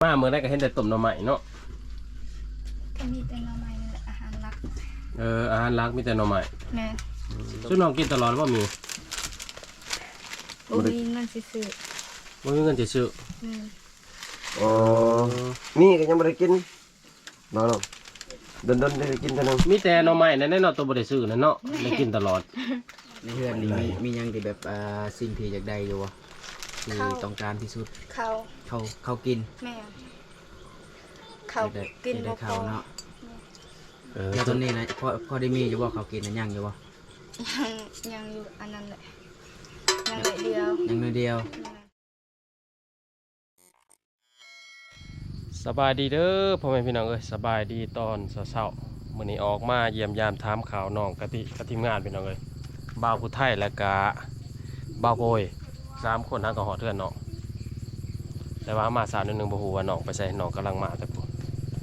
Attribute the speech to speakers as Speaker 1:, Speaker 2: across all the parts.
Speaker 1: มาเมื่อไรก็เห็นแต่ต้มหน่อไม้เนาะ
Speaker 2: ก็มีแต่หน่อไม้นี่แหละอาหารหลัก
Speaker 1: อาหารหลักมีแต่หน่อไม้
Speaker 2: แม่
Speaker 1: ซึ่งน้องกินตลอดว่ามี
Speaker 2: มีเงินซื้อ
Speaker 1: บ่มีเงินจะซื้อ
Speaker 3: อ๋อมีก็ยังไม่ได้กินน้องๆดนได้กินเท่านั้น
Speaker 1: มีแต่หน่อไม้นั่นแน่เนาะตัวบ่ได้ซื้อนั่นเนาะได้กินตลอด
Speaker 4: ในเฮือนนี่มียังที่แบบสิ่งที่อยากได้อยู่วะที่ต้องการที่สุดเขากิน
Speaker 2: แม่เขากินบ่พอ
Speaker 4: เนาะแล้วตอนนี้นะพอได้มีอยู่บ่เขากินนะยังอยู่บ่
Speaker 2: ยังอยู่อันนั้นแหละยังเลยเดียว
Speaker 1: สบายดีเด้อพ่อแม่พี่น้องเอ้ยสบายดีตอนเช้าๆมื้อนี้ออกมาเยี่ยมยามถามข่าวน้องกะติกับทีมงานพี่น้องเอ้ยบ่าวผู้ไทยและกะบ่าวโบย3คนทั้งก็ฮอดเทือนน้องแต่ว่ามาสาวนิดนึงบ่ฮู้ว่าน้องไปใส่น้องกำลังมาแต่พุ่น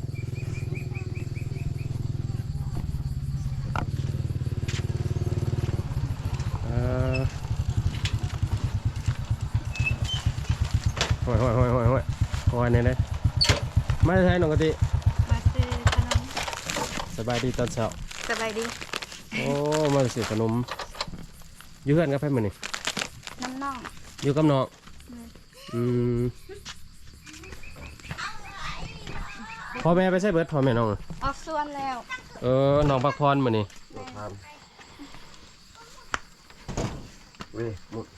Speaker 1: โอ้ยเนี่ยเลยมาใช้น้องกะติ
Speaker 2: มาซื้อขนม
Speaker 1: สบายดีตอนเช้า
Speaker 2: สบายดี
Speaker 1: โอ้มาซื้อขนมอยู่เฮือนกับไผมื้อนี้
Speaker 2: น้อง
Speaker 1: อยู่กับน้องพ่อแม่ไปใช้เบิดพ่อแม่น้อง
Speaker 2: ออกส่วนแล้ว
Speaker 1: น้องพักผ่อนมื้อนี้
Speaker 3: เว้ยหมด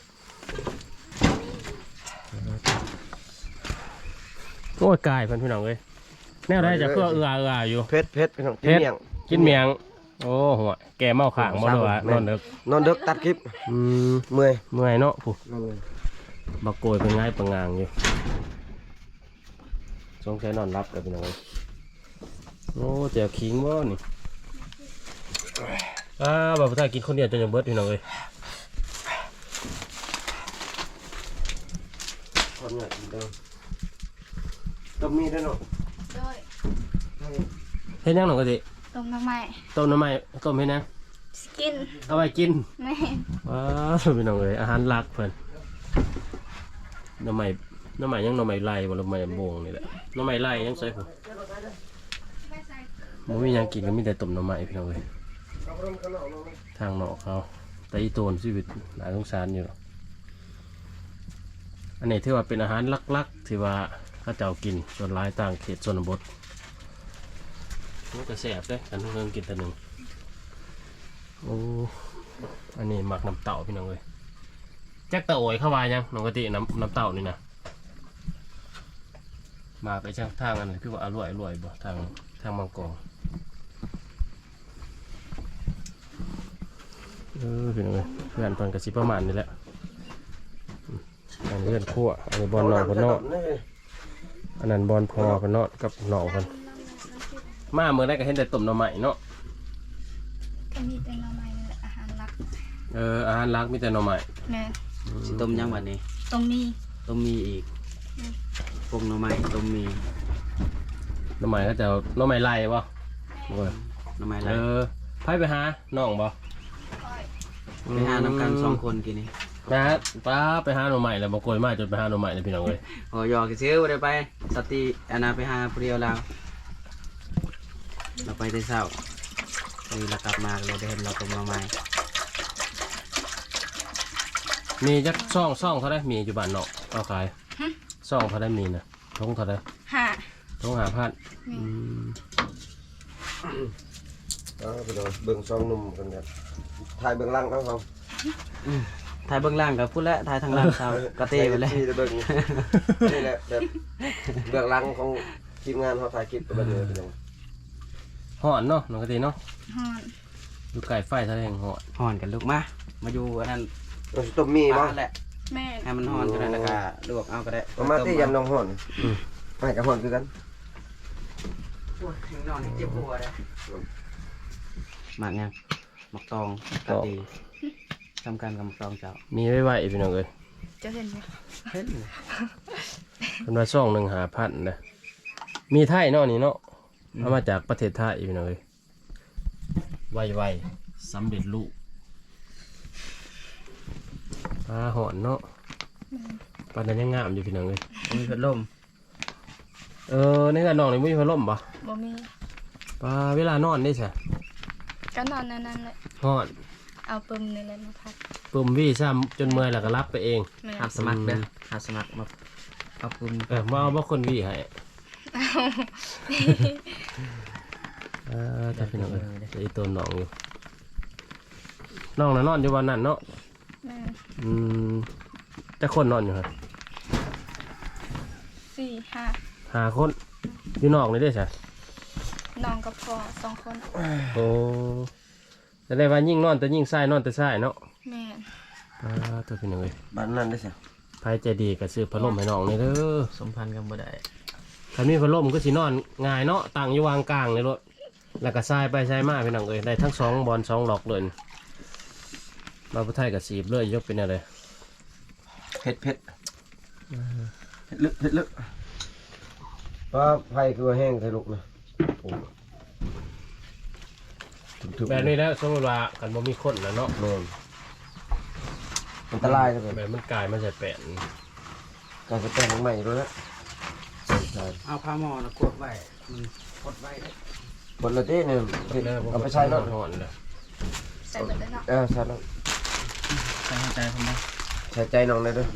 Speaker 1: โอ้ยกายเพิ่นพี่น้องเอ้ยแนวได้จะเพื่ออยู่
Speaker 3: เผ็ดพี่น้องกินเมี่ยง
Speaker 1: โอ้หัวแกเมาข้างบ่รู้ว่าน
Speaker 3: อนดึกตัดคลิปเมื่
Speaker 1: อยเนาะผู้บักโกยเป็นง่ายปังงางอยู่สงสัยนอนรับเลยพี่น้องโอ้เจียวขิงบ่นี่บ่าวถ้ากินคนเดียวจนยังเบิดพี่น้องเอ้ย
Speaker 3: คนเนี่ยกินเด้อต้มมีได้เนาะ
Speaker 2: ด้วย
Speaker 1: เฮ็ดยังน้องกะติ
Speaker 2: ต้มหน่อไม้
Speaker 1: ต้มเฮ็ดยัง
Speaker 2: กิน
Speaker 1: เอาไว้กิน
Speaker 2: แม่
Speaker 1: ว้าวพี่น้องเอ้ยอาหารหลักเพิ่นหน่อไม้ยังหน่อไม้ไล่บ่หน่อไม้บงนี่แหละหน่อไม้ไล่ยังใส่ผมบ่มีหยังกินก็มีแต่ต้มหน่อไม้พี่น้องเอ้ยทางนอกเขาแต่อีโตนชีวิตน่าสงสารอยู่อันนี้ถือว่าเป็นอาหารหลักๆที่ว่าเขาเจ้ากินส่วนหลายต่างเขตชนบทมันก็แซ่บเด้กันเพิ่งกินแต่หนึ่งโอ้อันนี้หมักน้ำเต่าพี่น้องเอ้ยแจ็คตะโอยเข้าวายังน้องกะติน้ำเต่านี่นะมาไปช่างทางอันนี้คือว่าอร่อยบ่ทางมังกรพี่น้องเอ้ยเพื่อนตอนกระซิบประมาณนี้แหละอันนี้เพื่อนขั้วอันนี้บอลนอกบอลนอกอันนั้นบอลพอพนอดกับหน่อกันมาเมื่อไรก็เห็นแต่ต้มหน่อไม้เนาะ
Speaker 2: ก็มีแต่หน่อไม้นี่แหละอาหารหลัก
Speaker 1: อาหารหลักมีแต่หน่อไม้
Speaker 2: แม่
Speaker 4: สิต้มยังวันนี้
Speaker 2: ต้ม
Speaker 4: มีอีกพวกหน่อไม้ต้มมี
Speaker 1: หน่อไม้ก็จะหน่อไม้ไล่ป่ะ
Speaker 4: หน่อไม้ไล่
Speaker 1: ไปหาน้องป่ะ
Speaker 4: ไปหาน้ำกัน2 คนกินนี่
Speaker 1: ป้าไปหาหน่อไม้แล้วบอกโกยมาจนไปหาหน่อไม้เลยพี่น้องเลย
Speaker 4: โอ้ยอกซื้อไปสติอันนาไปหาผู้เดียวเราไปแต่เช้านี่เรากลับมาเราได้เห็นเราต้มหน่อไม้
Speaker 1: มีจักซ่องเท่าไรมีอยู่บ้านเนาะเอาขายซ่องเท่าไรมีนะทงเท่าไรทง5,000
Speaker 3: ไปดูเบื้องซองนุ่มกันเนี่ยถ่ายเบื้องล่างเขา
Speaker 4: ถ่ายเบื้องล่างกับพูดแล้วถ่ายทางล่างชาวกระเตยไปเลย
Speaker 3: นี่แหละแบบเบื้องล่างของทีมงานเขาถ่ายคลิปไปเลยเป็นยัง
Speaker 1: ห่อนเนาะน้องกะติเนาะ
Speaker 2: ห่อน
Speaker 1: อยู่ไก่ไฟทะเล
Speaker 4: ห่อนกันลูกมาอยู่อันนั้น
Speaker 3: ต้มมีบ้าง
Speaker 4: แหละ
Speaker 2: แม่
Speaker 4: ให้มันห่อนจนแล้วก็ลวกเอาก็ได้
Speaker 3: มาที่ยำน้องห่อนไม่กับห่อนคือกัน
Speaker 4: นอนเจ็บหัวเลยหมากยังหมากตองกะตีทำการกับหมากตองเจ้า
Speaker 1: มีไว้พี่น้องเอ้ย
Speaker 2: จะเห็นไหม
Speaker 4: เห็น
Speaker 1: เป็นว่าซ่อง1,500นะมีไทยเนาะนี่เนาะเอามาจากประเทศไทยพี่น้องเอ้ยไวสำเร็จรูปปลาหอนเนาะปลานั้นยังงามอยู่พี่น้องเลย
Speaker 4: มีพัดลม
Speaker 1: ในการนอนนี่มีพัดลมบ่
Speaker 2: บ่มี
Speaker 1: ปาเวลานอนได้ใช่
Speaker 2: ก็นอนนั่นแหละ
Speaker 1: ฮอด
Speaker 2: เอาปึมนี่แหละมาพัก
Speaker 1: ปุ่มวี่ซ้ำจนเมื่อยแล้วก็รับไปเอง
Speaker 2: แม่
Speaker 4: หาสมัครเด้อหาสมัครมาเอาปุ่ม
Speaker 1: มาเอาบ่คนวี่ให้แต่พี่น้องเอ้ยไอ้ตัวน้องอยู่น้องน่ะนอนอยู่วันนั้นเนาะ
Speaker 2: แม่
Speaker 1: แต่คนนอนอยู่ฮะ
Speaker 2: 4-5
Speaker 1: 5 คนอยู่นอกนี่ได้ใช่
Speaker 2: น้องกับพ่อ2 คน
Speaker 1: โอ้แต่ได้ว่ายิ่งนอนแต่ยิ่งใส่นอนแต่ใส่เนาะ
Speaker 2: แม่
Speaker 1: ตัวพี่น้องเอ้ย
Speaker 3: บ้านนั้นได้สิ
Speaker 1: ไผใจดีก็ซื้อพัดลมให้น้องนี่เด้อ
Speaker 4: สมพันธ์กันบ่ได้
Speaker 1: คันมีพัดลมก็สินอนง่ายเนาะตั้งอยู่วางกลางเลยรถแล้วก็ทรายไปทรายมาพี่น้องเอ้ยได้ทั้ง2บอล2หลอกเลยเราผู้ไทยกับสีบเลยยกเป็นอะไร
Speaker 3: เผ็ดลึกว่าไฟคือว่าแห้งใส่ลูกนะโอ้ถึง
Speaker 1: แบบนี้แล้วสมมติว่ากันบ่มีคนแล้วเนาะ
Speaker 3: แม่นอันตรายเลย
Speaker 1: แบบมันกลายมาใส่แปะน
Speaker 3: การจะแปลงใหม่ด้วยนะ
Speaker 4: เอาผ้าหม้อนะกดไว้มันกดไว้ได้
Speaker 3: บนรถเต้เนี่ยเอาไปใช้เนาะ
Speaker 1: หอนเลย
Speaker 2: ใส่เบิดเลยเนาะ
Speaker 3: ใช่แล้ว
Speaker 4: ใส่ใจผมนะ
Speaker 3: ใส่ใจน้องเลยด้วย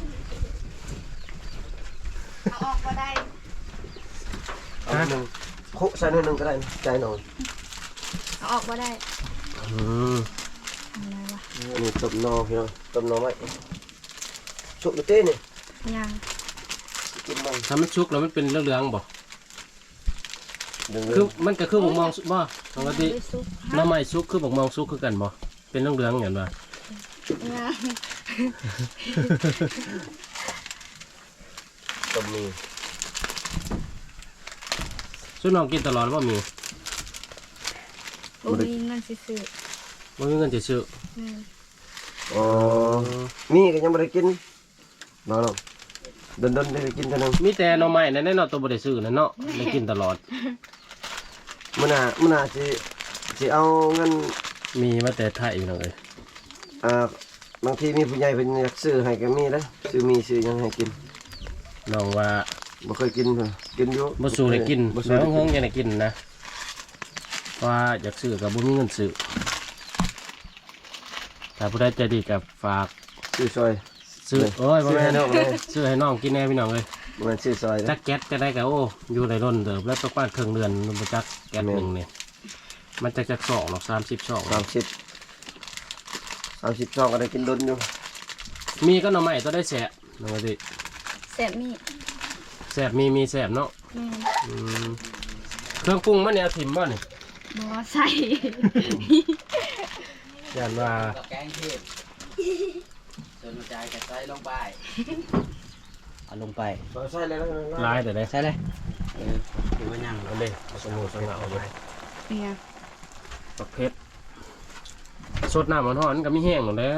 Speaker 2: เอาออกก็ได้
Speaker 3: เอาหนึ่งคุใส่หนึ่งก็ได้ใจน้อง
Speaker 2: เอาออกก็ได้
Speaker 1: อืม
Speaker 2: อะไรวะ
Speaker 3: นี่ต้มนอพี่น้องต้มนอไหมชุบรถเต้เนี่ย
Speaker 2: ยัง
Speaker 3: กินมัน
Speaker 1: ถ้ามันชุกแล้วมันเป็นเรื่องๆบ่
Speaker 3: ดึง
Speaker 1: คือมันก็คือบ่มองบ่ปกติ
Speaker 2: ไม่ซุป
Speaker 1: น้ำไม้ชุกคือบ่มองชุกคือกันบ่เป็นเรื่องๆอย่างว่า
Speaker 2: ยัง
Speaker 3: ต้มมี
Speaker 1: ส่วนน้องกินตลอดว่ามี
Speaker 2: บ่มีเงินสิซื้อ
Speaker 1: บ่มีเงินจะซื้อ
Speaker 2: แม่
Speaker 3: อ๋อมีก็ยังไม่ได้กินน้องเดินได้กินเท่านึง
Speaker 1: มีแต่หน่อไม้นั่นแหละเนาะตัวบ่ได้ซื้อนั่นเนาะได้กินตลอด
Speaker 3: มื่อหน้าสิเอาเงิน
Speaker 1: มีมาแต่ไทยพี่น้องเอ้ย
Speaker 3: บางทีมีผู้ใหญ่เป็นอยากซื้อให้ก็มีนะซื้อมีซื้อยังให้กิน
Speaker 1: น้องว่า
Speaker 3: บ่เคยกินเพิ่นกินอยู่
Speaker 1: บ่สู้ได้กิน
Speaker 3: บ่
Speaker 1: แล้
Speaker 3: สู้
Speaker 1: ว
Speaker 3: ได้
Speaker 1: ห้
Speaker 3: กิ
Speaker 1: อง
Speaker 3: น
Speaker 1: ยังได้กินนะว่าอยากซื้อก็บ่มีเงินซื้อถ้าผู้ใดใจดีก็ฝาก
Speaker 3: ซื้อซอย
Speaker 1: ซื้อโอ้ยบ่
Speaker 3: ซื้อ
Speaker 1: แม่
Speaker 3: ให้
Speaker 1: น
Speaker 3: น้องเลย
Speaker 1: ซื้อให้น้องกินแน่พี่น้องเอ้ย
Speaker 3: บ่แม่นซื้อซอย
Speaker 1: จั
Speaker 3: นะ
Speaker 1: กแก๊สก็ได้ก็โอ้อยู่ในร่นเดิมแล้วประมาณครึ่งเดือนมันบ่จักแก๊สหนึงนี่มันจักซองหรอก30ซอง
Speaker 3: 30 ช่องก็ได้กินดนอยู่
Speaker 1: มีก็หน่อไม้ตัวได้แสบน้องว่าสิ
Speaker 2: แซ่บมี
Speaker 1: แสบมีแสบเนาะ
Speaker 2: แม่
Speaker 1: อืมเครื่องปรุงมันเนี่ยเอาถิ่มบ่นี่
Speaker 2: บ่ใส่
Speaker 1: ย่านว่า
Speaker 4: แกงเทศส่วนหัวใจกับใส่ลงไปเอาลงไป
Speaker 3: บ่ใส่เลยนะ
Speaker 1: ลายแต่ได้
Speaker 4: ใส่เลยถือว่ายัง
Speaker 1: เอาเลยเอาสมุนสงเอาเลย
Speaker 2: เนี่ย
Speaker 1: ปักเพชรสดน้ำมันร้อนก็มีแห้งหมดแล้ว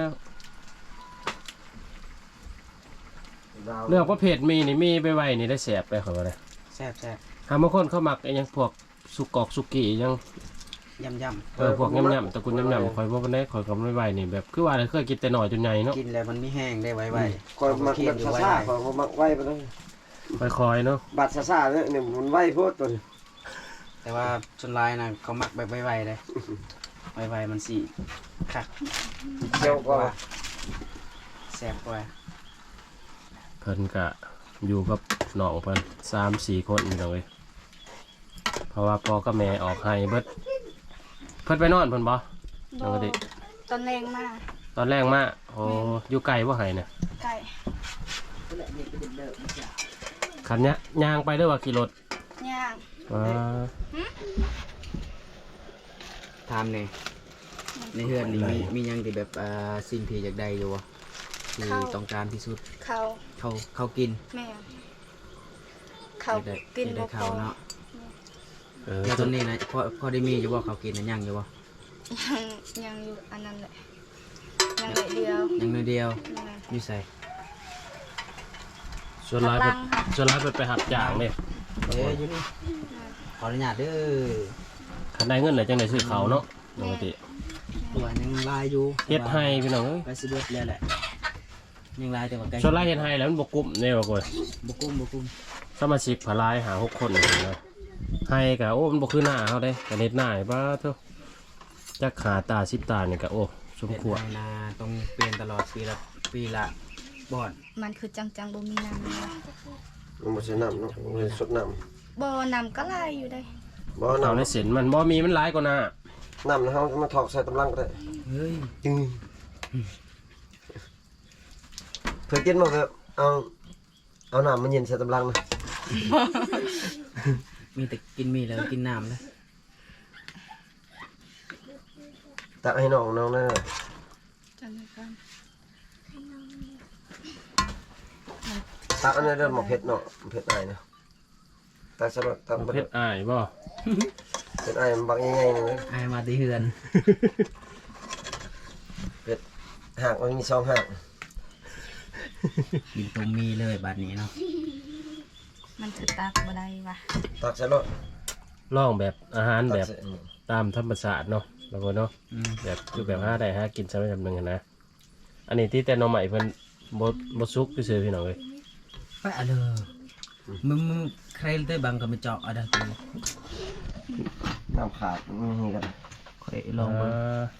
Speaker 1: เรื่องประเภทมีนี่มีไปไวนี่ได้แสบไปเขาว่าเลย
Speaker 4: แซ่บ
Speaker 1: หาบางคนเขามักไอ้หยังพวกสุกอกสุกี้หยัง
Speaker 4: ย่ำ
Speaker 1: พวกยำๆตระกูลยำๆคอยว่ามันได้คอยกับไม่ไวนี่แบบคือว่าเคยกินแต่หน่อยจนใหญ่เนาะ
Speaker 4: กินแล้วมันไม่แห้งได้ไว
Speaker 3: คอยมักแบบซ่าๆคอยมักไว้ไปเลย
Speaker 1: คอยๆเนาะ
Speaker 3: บัดซ่าๆเนี่ยมันไว้โพดตัวนี้
Speaker 4: ๆแต่ว่าชนลายนะเขามักแบบไวๆเลยไวๆมันสีคัก
Speaker 3: เจียวก็
Speaker 4: แซ่บกว่า
Speaker 1: เพิ่นกะอยู่กับน้องเพิ่น3-4 คนนี่เลยเพราะว่าพ่อกับแม่ออกให้เบิดเพิ่นไปนอนเพิ่นบ่ ปกติ
Speaker 2: ตอนแรงมาก
Speaker 1: ตอนแรกมาโอ้อยู่ไกลบ่ให้น่ะ
Speaker 2: ไก่
Speaker 1: คันเนี้ยย่างไปเด้อว่าขี่รถ
Speaker 2: ย่าง
Speaker 1: ว้า
Speaker 4: ทำเนี่ยในเฮือนนี่มียังที่แบบสิ่งที่อยากได้อยู่วะที่ต้องการที่สุด
Speaker 2: เขา
Speaker 4: เขากิน
Speaker 2: แม่เขา
Speaker 4: อยากได้
Speaker 2: กิน
Speaker 4: อยากได้
Speaker 2: บ่พ
Speaker 4: เขา
Speaker 2: อ
Speaker 4: เนาะ
Speaker 1: เออ
Speaker 4: แล้วตอนนี้นะพอได้มีอยู่ว่าเขากินนะยังอยู่วะ
Speaker 2: ยังอยู่อันนั้นแหละยังเลยเดียว
Speaker 4: ยังน้อยเดียว
Speaker 2: แม่
Speaker 4: อยู่ใส่
Speaker 1: ส่วนร้ายไปส่วนร้ายไปหับจ้างเนี่ย
Speaker 4: อยู่นี่ขออนุญาตเด้อ
Speaker 1: คันได้เงินไหนจังไดซื้อเขาวเนาะปกติ
Speaker 4: ตัวยังลายอยู่
Speaker 1: เฮ็ดให้พี่น้องเอ้ย
Speaker 4: ไปสิเบิดแล้วแหละยังลายแต่ว่าไกล
Speaker 1: ส่วนร้ายเฮ็ดให้แล้วมันบ่กุ้มแน่ว่าก่อย
Speaker 4: บุกุ้ม
Speaker 1: สมาชิกพลายหา6คนนะให้กะโอ้มันบ่คือหน้าเฮาเด้กะเน็ดหน้าให้บ้าเถอะจักขาตา10ตานี่กะโอ้สม
Speaker 4: เฮ็ด
Speaker 1: ควร
Speaker 4: ให้นาต้องเปลี่ยนตลอดปีละบอน
Speaker 2: มันคือจังๆบ่มีน้ำเลย
Speaker 3: มันบ่ใช่น้ำเนาะมันบ่ได้สดน้
Speaker 2: บ่น้ำก็ไหลอยู่ได้
Speaker 3: ำบ่
Speaker 1: เอาใน
Speaker 3: น้ำ
Speaker 1: เส้นมันบ่มีมันหลายกว่าหน้า
Speaker 3: น้ำเฮามาถอกใส่ตำลังก็ได้
Speaker 4: เฮ้ย
Speaker 3: เคยกินบ่แบบเอาน้ำมันเย็นใส่ตำลังนะ
Speaker 4: มีแต่กินมีแล้วกินน้ำเลย
Speaker 3: ตักให้น้องนั่นน่ะ
Speaker 2: จังได๋กัน
Speaker 3: ตักอันนั้นเด้อหมกเผ็ดเนาะเผ็ดอ้ายนะตักสลัดตักบ่
Speaker 1: เผ็ดอ้ายบ่
Speaker 3: เผ็ดอ้ายมันบักใหญ่ๆนึง
Speaker 4: อายมาที่เฮือน
Speaker 3: หากมันมี2หาก
Speaker 4: กินต้มมีเลยบัดนี้เนาะ
Speaker 2: มันคือตากบ่ได้ว่ะ
Speaker 3: ตักใส่รถ
Speaker 1: ลองแบบอาหาร
Speaker 3: ตัก
Speaker 1: แบบ
Speaker 3: ใส่
Speaker 1: ตามธรรมชาติเนาะแล้วก็เนาะ
Speaker 4: อืม
Speaker 1: แบบคือแบบหาได้หากินซะไม่จำเป็นนะอันนี้ที่แต่หน่อใหม่เพิ่นบ่สุกซื่อๆพี่น้องเอ้ย
Speaker 4: ไปอะเลยมึงใครได้บังก็มาเจาะเอาได้กู
Speaker 3: น้ำขาดนี่กัน
Speaker 4: ค่อยลองเบิ่ง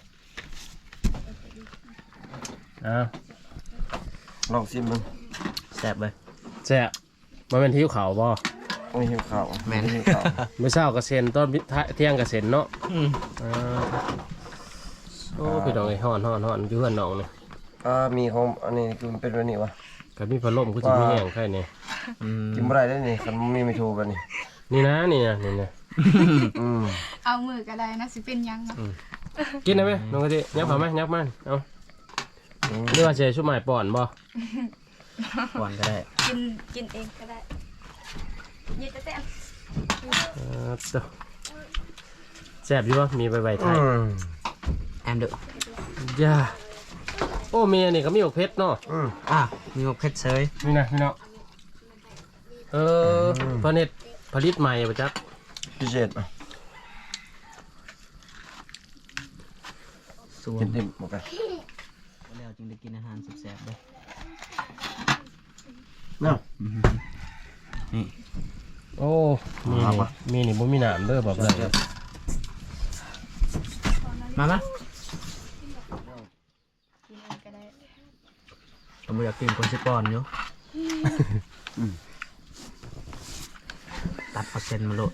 Speaker 1: อ้าว
Speaker 3: ลองชิมมัน
Speaker 4: แซ่บเลย
Speaker 1: แซ่บมันเป็นที่เขาวบ่
Speaker 3: ไม่หิวข้าว
Speaker 4: แม่น
Speaker 3: หิวข้าว
Speaker 1: มื้อเช้าก็เซ็นตอนเที่ยงก็เซ็นเนาะ
Speaker 4: อืม
Speaker 1: อ่าโอ้พี่น้องเอ้ยฮ้อนอยู่เฮือนน้องนี่
Speaker 3: มีของอันนี้คือมันเป็นแบบนี้วะ
Speaker 1: ก็มีพัดลมคือสิมีแห้งไข่นี่
Speaker 4: อืม
Speaker 3: กินบ่ได้ได้นี่คันมีไม่ถูกแบบนี้
Speaker 1: นี่นะนี่นะ
Speaker 3: อืม
Speaker 2: เอามือก็ได้นะสิเป็นหยังเนาะ
Speaker 1: กินได้ไหมน้องกะทิยับมาไหมยับมาเอาหรือว่าสิให้ชุบใหม่ป้อนบ่
Speaker 4: ก่อนก็ได้
Speaker 2: กินเองก็ได้ยิดแต่
Speaker 1: ตัวแซ่บอยู่บ่มีใบไทย
Speaker 4: แอมเด้อ
Speaker 1: ย่าโอ้มีอันนี้ก็มีอกเพชรเนาะ
Speaker 4: อ่ะมีหมกเผ็ดเซย
Speaker 1: นี่นะพี่น้องผลิตใหม่ป่ะจ๊ะ
Speaker 3: พิเศษอ่ะ
Speaker 4: ส่ว
Speaker 3: กิ
Speaker 4: น
Speaker 3: นดิบหมดไป
Speaker 4: แล้วจึงได้กินอาหารแซ่บๆเลย
Speaker 3: เนาะ
Speaker 4: นี่
Speaker 1: โอ้มีนี่บ่มีน้ำเด้อบอกเลย
Speaker 4: มา
Speaker 2: กินเองก็ได้
Speaker 4: ผมอยากกินคนสิป้อนอยู่ตัดเปอร์เซ็นต์มาโลด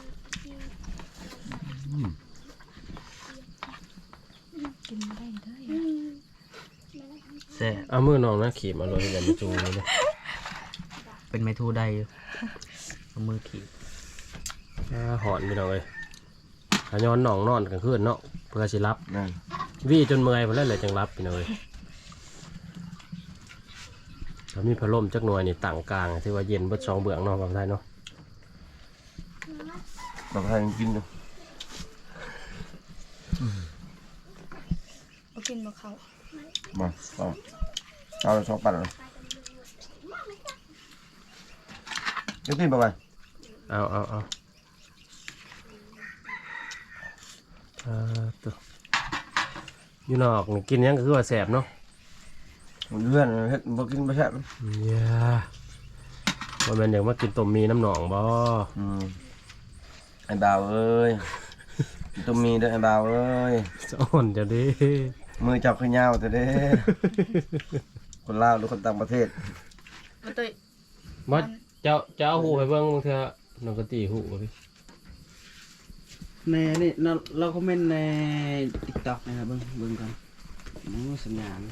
Speaker 2: กินบ่ได้เด้อ
Speaker 4: แซ่บ
Speaker 1: เอามือน้องนะขีบมาเลยอย่ามาจูงเลย
Speaker 4: เป็นไม้ทูได้อยู่เอามือขีด
Speaker 1: หอนพี่น้องเอ้ยขย้อนน้องนอนกลางคืนเนาะเพื่อสิรับ
Speaker 3: นั่น
Speaker 1: วี่จนเมื่อยพอแล้วเลยจังรับพี่น้องเอ้ยถ้ามีพัดลมจักหน่วยนี่ตั้งกลางที่ว่าเย็นเบิด2เบื้องเนาะบางท่านเนาะ
Speaker 3: แบบให้กินดู
Speaker 2: บ่กินบ่เข้า
Speaker 3: มาเอาเลย2 ปันเลยกินไป
Speaker 1: เอาตัวอยู่นอกนี่กินหยังก็คือว่าแสบเนาะ
Speaker 3: เลื่อนเฮ็ดบ่กินบ่แซ่บ
Speaker 1: ย่าว่าแม่นอยากมากินต้มมีน้ำหนองบ่
Speaker 3: ไอ้บ่าวเอ้ยต้องมีเด้อไอ้บ่าวเอ้ย
Speaker 1: จะอ่อนจะดิ
Speaker 3: มือจับขึ้นยาวแต่เด้ คนลาวหรือคนต่างประเทศ
Speaker 2: บ่ตุ้ย
Speaker 1: บ่จะเอาหูไปเบิ่งเถอะน้องก็ตีหูบ่พี่
Speaker 4: ในนี่เราคอมเมนต์ใน TikTok นะครับเบิ่งกันโอ้สัญญาณ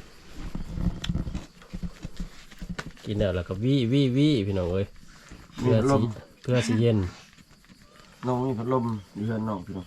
Speaker 1: กินแล้วก็วี่พี่น้องเอ้ย
Speaker 3: มีพัดลม
Speaker 1: เพื่อสิเย็น
Speaker 3: น้องมีพัดลมอยู่เฮือนน้องพี่น้อง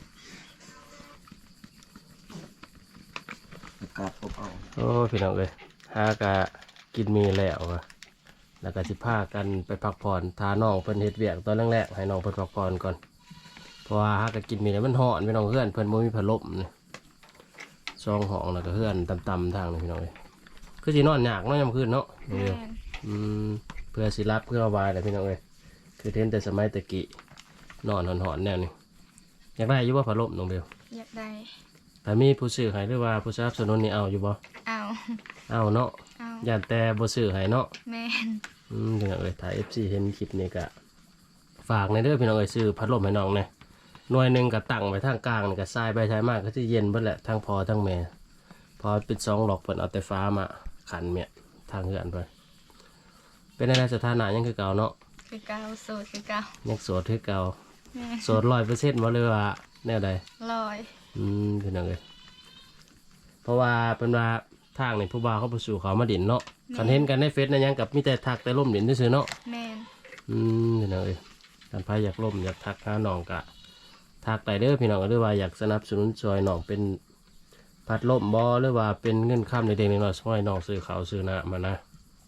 Speaker 3: อากาศอบอ้าว
Speaker 1: โอ้พี่น้องเอ้ยหากะกินมีแล้วอะแล้วก็สิพากันไปพักผ่อนทาน้องเพิ่นเฮ็ดเวียกตอนแรกๆให้น้องเพิ่นพักผ่อนก่อนเพราะว่าหากะกินมีแล้วมันร้อนพี่น้องเฮือนเพิ่นบ่มีพัดลมนี่ซองห้องแล้วก็เฮือนต่ำๆทางนี่พี่น้องเอ้ยคือสินอนยากเนาะยามคืนเนาะ
Speaker 2: แม่
Speaker 1: เดียวน เพื่อสิรับเพื่อระบายแหละพี่น้องเอ้ยคือเทนแต่สมัยตะกี้นอนหอนๆแนวนี้อยากได้อยู่บ่พัดลมน้องเบล
Speaker 2: อยากได้
Speaker 1: แต่มีผู้ซื้อให้หรือว่าผู้สนับสนุนนี่เอาอยู่บ่
Speaker 2: เอา
Speaker 1: เอาเนาะ
Speaker 2: เอา
Speaker 1: ย่านแต่บ่ซื้อให้เนาะ
Speaker 2: แม่น
Speaker 1: ถึงเอ้ยถ้า FC เห็นคลิปนี้ก็ฝากในเด้อพี่น้องเอ้ยซื้อพัดลมให้น้องเนี่ยหน่วยหนึ่งก็ตั้งไว้ทางกลางนี่ก็ทรายไปทรายมากก็จะเย็นเบิดแหละทั้งพอทั้งแม่พอเป็น2 หลอกเพิ่นเอาแต่ฟ้ามาขันเมียทางเหือนไปเป็นอะไรสถานะยังคือเก่าเนาะ
Speaker 2: คือเก่าโสดคือเก่า
Speaker 1: ยังโสดคือเก่า
Speaker 2: แม่
Speaker 1: โสด100%บ่เลยว่าแนวใด
Speaker 2: ลอย
Speaker 1: พี่น้องเอ้ยเพราะว่าเป็นว่าทางนี่ผู้บ่าวเขาไปสู่เขามาดินเนาะคันเห็นกันในเฟซนะยังกับมีแต่ทักแต่ล่มดินซื่อๆเนาะ
Speaker 2: แม่น
Speaker 1: พี่น้องเอ้ยการพายอยากล่มอยากทักหาน้องกะทักได้เด้อพี่น้องหรือว่าอยากสนับสนุนช่วยน้องเป็นพัดลมบ่หรือว่าเป็นเงินค้ำในเด็กน้อยช่วยน้องซื้อข้าวซื้อน้ำมานะ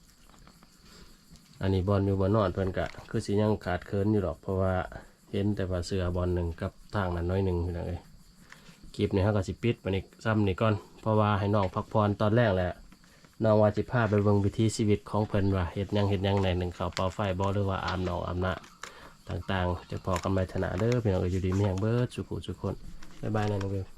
Speaker 1: อันนี้บอลอยู่บนนอนเพิ่นกะคือสิยังขาดเคินอยู่หรอกเพราะว่าเห็นแต่ว่าเสือบอลหนึ่งกับทางนั้นน้อยหนึ่งพี่น้องเอ้ยคลิปนี้เขาก็สิปิดมานี่ซ้ำนี่ก่อนเพราะว่าให้น้องพักผ่อนตอนแรกแหละน้องว่าจิพาไปเบิ่งวิถีชีวิตของเพิ่นว่าเฮ็ดหยังในหนึ่งข้าวเป่าไฟบ่หรือว่าอาบน้องอาบน้ำต่างๆจะพอกันไปถนาเด้อพี่น้องเอ้ยอยู่ดีมีแห่งเบิดสุขุสุขคนบ๊ายบายนะน้องเบล